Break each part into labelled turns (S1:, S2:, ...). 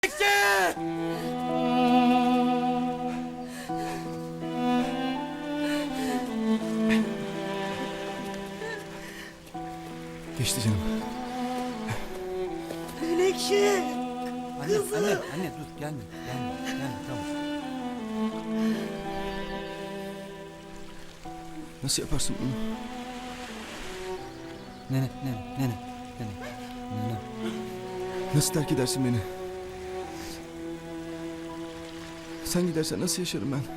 S1: Geçti canım.
S2: Menekşe. Kızım.
S3: Anne dur gelme tamam.
S1: Nasıl yaparsın bunu?
S3: Nene.
S1: Nasıl terk edersin beni? Sen gidersen nasıl yaşarım ben?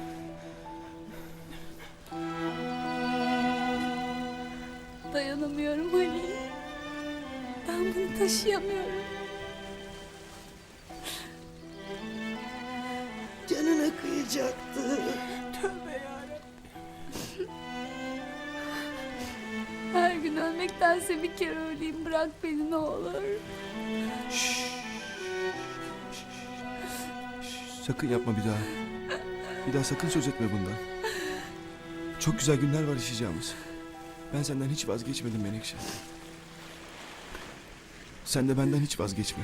S4: Dayanamıyorum Ali. Ben bunu taşıyamıyorum.
S2: Canına kıyacaktı.
S4: Tövbe yarabbim. Her gün ölmektense bir kere öleyim. Bırak beni ne olur.
S1: Sakın yapma bir daha. Bir daha sakın söz etme bundan. Çok güzel günler var yaşayacağımız. Ben senden hiç vazgeçmedim Menekşe. Sen de benden hiç vazgeçme.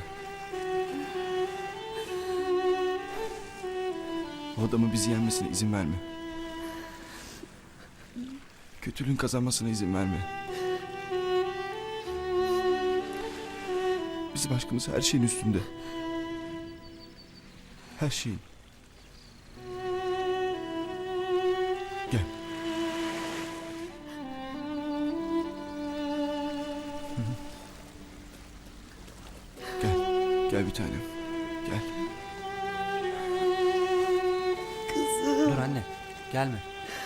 S1: O adamın bizi yenmesine izin verme. Kötülüğün kazanmasına izin verme. Bizim aşkımız her şeyin üstünde. Her şeyin. Gel. Hı hı. Gel. Gel bir tanem. Gel.
S2: Kızım.
S3: Dur anne gelme.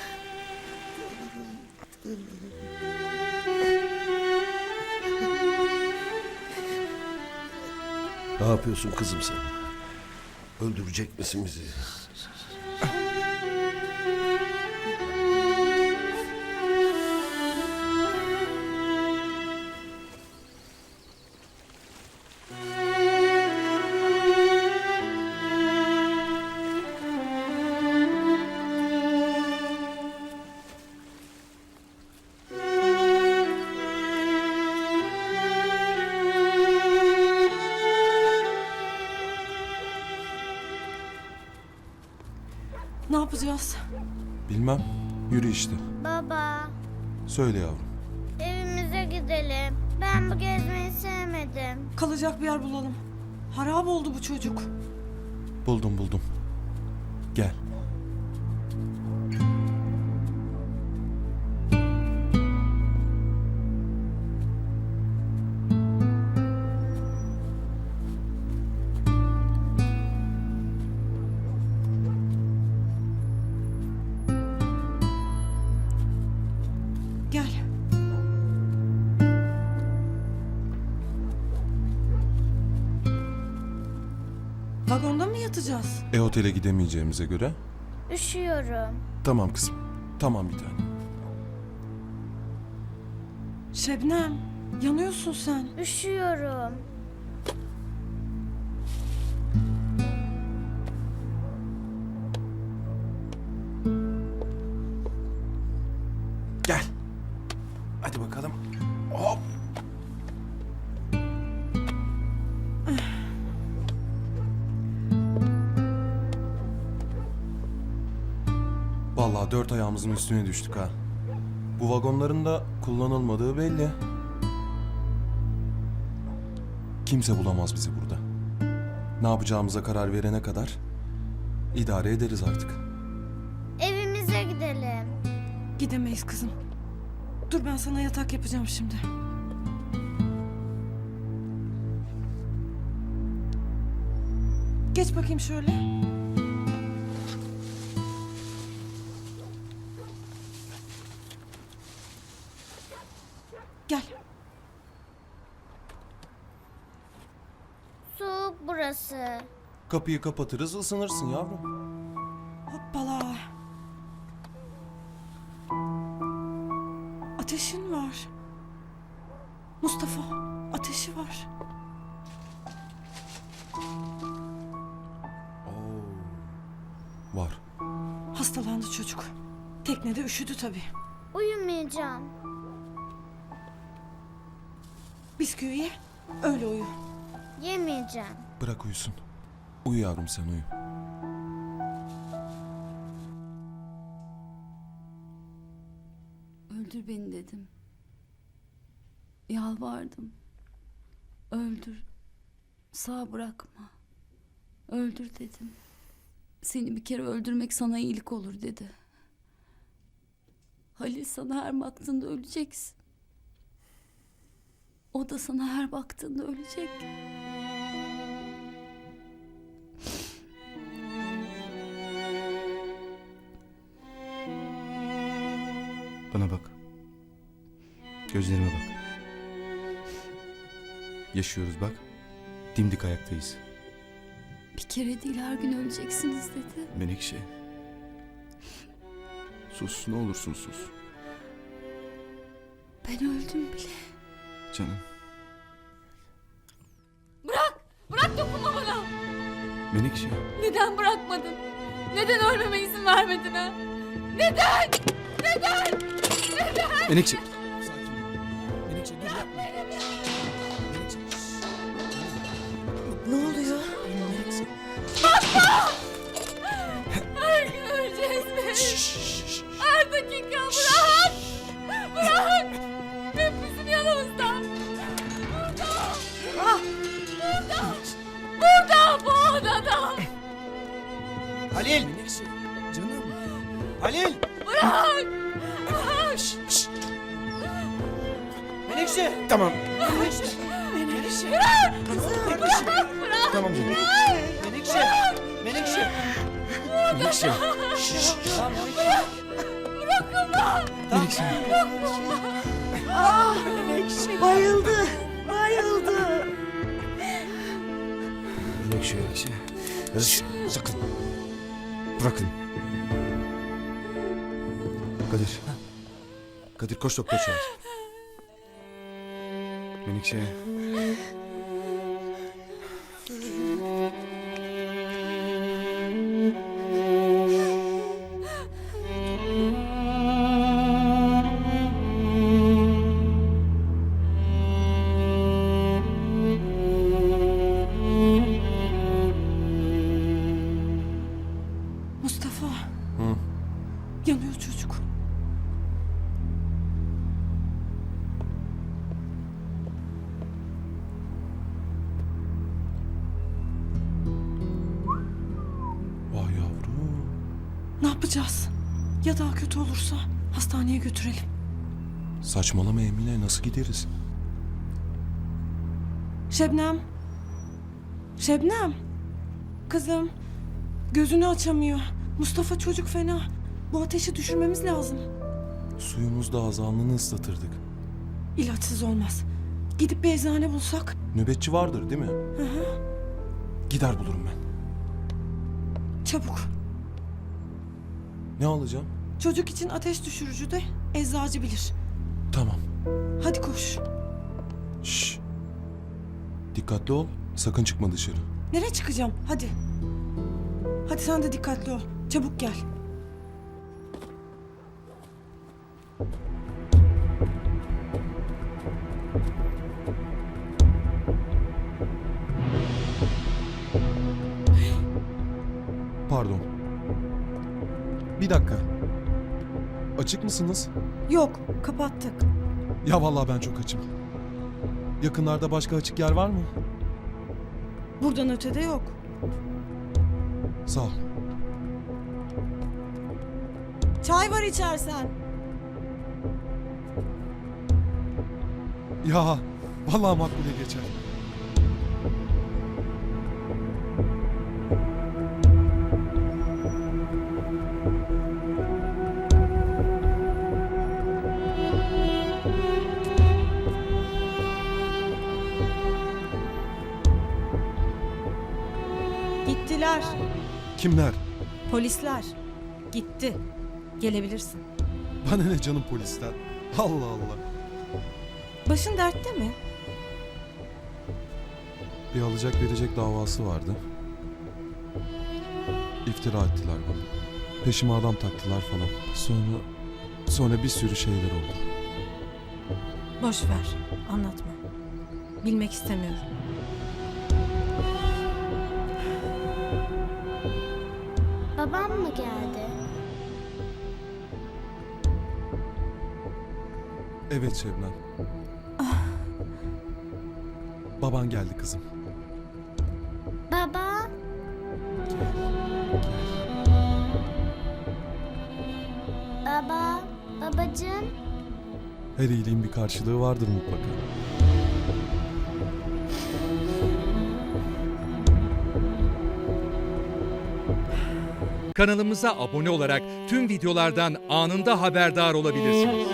S5: Ne yapıyorsun kızım sen? Öldürecek misin bizi?
S6: Ne yapacağız?
S7: Bilmem. Yürü işte.
S8: Baba,
S7: Söyle yavrum.
S8: evimize gidelim. Ben bu gezmeyi sevmedim.
S6: Kalacak bir yer bulalım. Harap oldu bu çocuk.
S7: Buldum. Gel.
S6: Gel. Vagonda mı yatacağız?
S7: Otele gidemeyeceğimize göre.
S8: Üşüyorum.
S7: Tamam kızım. Tamam bir tane.
S6: Şebnem, yanıyorsun sen.
S8: Üşüyorum.
S1: Gel. Hadi bakalım. Hop.
S7: Vallahi 4 ayağımızın üstüne düştük ha. Bu vagonların da kullanılmadığı belli. Kimse bulamaz bizi burada. Ne yapacağımıza karar verene kadar idare ederiz artık.
S8: Evimize gidelim.
S6: Gidemeyiz kızım. Dur ben sana yatak yapacağım şimdi. Geç bakayım şöyle. Gel.
S8: Soğuk burası.
S7: Kapıyı kapatırız, ısınırsın yavrum.
S6: Hoppala. Ateşin var. Mustafa, ateşi var.
S7: Var.
S6: Hastalandı çocuk. Teknede üşüdü tabii.
S8: Uyumayacağım.
S6: Bisküvi ye, öyle uyu.
S8: Yemeyeceğim.
S7: Bırak uyusun. Uyu yavrum sen uyu.
S4: Öldür beni dedim. Yalvardım. Öldür. Sağ bırakma. Öldür dedim. Seni bir kere öldürmek sana iyilik olur dedi. Halil sana her baktığında öleceksin. O da sana her baktığında ölecek.
S1: Bana bak. Gözlerime bak. Yaşıyoruz bak. Dimdik ayaktayız.
S4: Bir kere değil her gün öleceksiniz dedi.
S1: Menekşe. Sus, ne olursun sus.
S4: Ben öldüm bile.
S1: Canım.
S4: Bırak dokunma bana.
S1: Menekşe.
S4: Neden bırakmadın? Neden ölmeme izin vermedin ha? Neden?
S1: Menekşe. Sakin ol. Menekşe dur yapma. Menekşe.
S2: Ne oluyor?
S1: Menekşe.
S4: Her gün öleceğiz mi? Her dakika bırak! Bırak! Hep bizim yanımızda! Burada! Burada bu odada!
S3: Halil!
S1: Menekşe. Canım.
S3: Halil!
S4: Bırak!
S3: Menekşe!
S1: Tamam.
S3: Menekşe!
S1: Tamam canım.
S3: Menekşe! Menekşe!
S1: Menekşe.
S3: Tamam Menekşe.
S1: Menekşe.
S2: Bayıldı. Bayıldı.
S5: Menekşe.
S1: Menekşe.
S5: Şşş,
S1: Sakın. Bırakın. Kadir. Kadir koş doktor çağır. Menekşe.
S6: Mustafa.
S7: Hı.
S6: Yanıyor çocuk.
S7: Vay yavrum.
S6: Ne yapacağız? Ya daha kötü olursa hastaneye götürelim.
S7: Saçmalama Emine, nasıl gideriz?
S6: Şebnem. Şebnem. Kızım. Gözünü açamıyor. Mustafa çocuk fena. Bu ateşi düşürmemiz lazım.
S7: Suyumuz da az, alnını ıslatırdık.
S6: İlaçsız olmaz. Gidip bir eczane bulsak.
S7: Nöbetçi vardır değil mi?
S6: Hı hı.
S7: Gider bulurum ben.
S6: Çabuk.
S7: Ne alacağım?
S6: Çocuk için ateş düşürücü de eczacı bilir.
S7: Tamam.
S6: Hadi koş.
S7: Şşş. Dikkatli ol, sakın çıkma dışarı.
S6: Nereye çıkacağım? Hadi. Hadi sen de dikkatli ol. Çabuk gel.
S7: Pardon. Bir dakika. Açık mısınız?
S6: Yok, kapattık.
S7: Ya vallahi ben çok açım. Yakınlarda başka açık yer var mı?
S6: Buradan ötede yok.
S7: Sağ ol.
S6: Çay var içersen.
S7: Ya vallahi makbule geçer.
S6: Gittiler.
S7: Kimler?
S6: Polisler. Gitti. Gelebilirsin.
S7: Bana ne canım polisten? Allah Allah.
S6: Başın dertte mi?
S7: Bir alacak verecek davası vardı. İftira ettiler bana. Peşime adam taktılar falan. Sonra bir sürü şeyler oldu.
S6: Boş ver. Anlatma. Bilmek istemiyorum.
S8: Babam mı geldi?
S7: Evet Şebnem. Baban geldi kızım.
S8: Baba, baba, babacığım.
S7: Her iyiliğin bir karşılığı vardır mutlaka.
S9: Kanalımıza abone olarak tüm videolardan anında haberdar olabilirsiniz.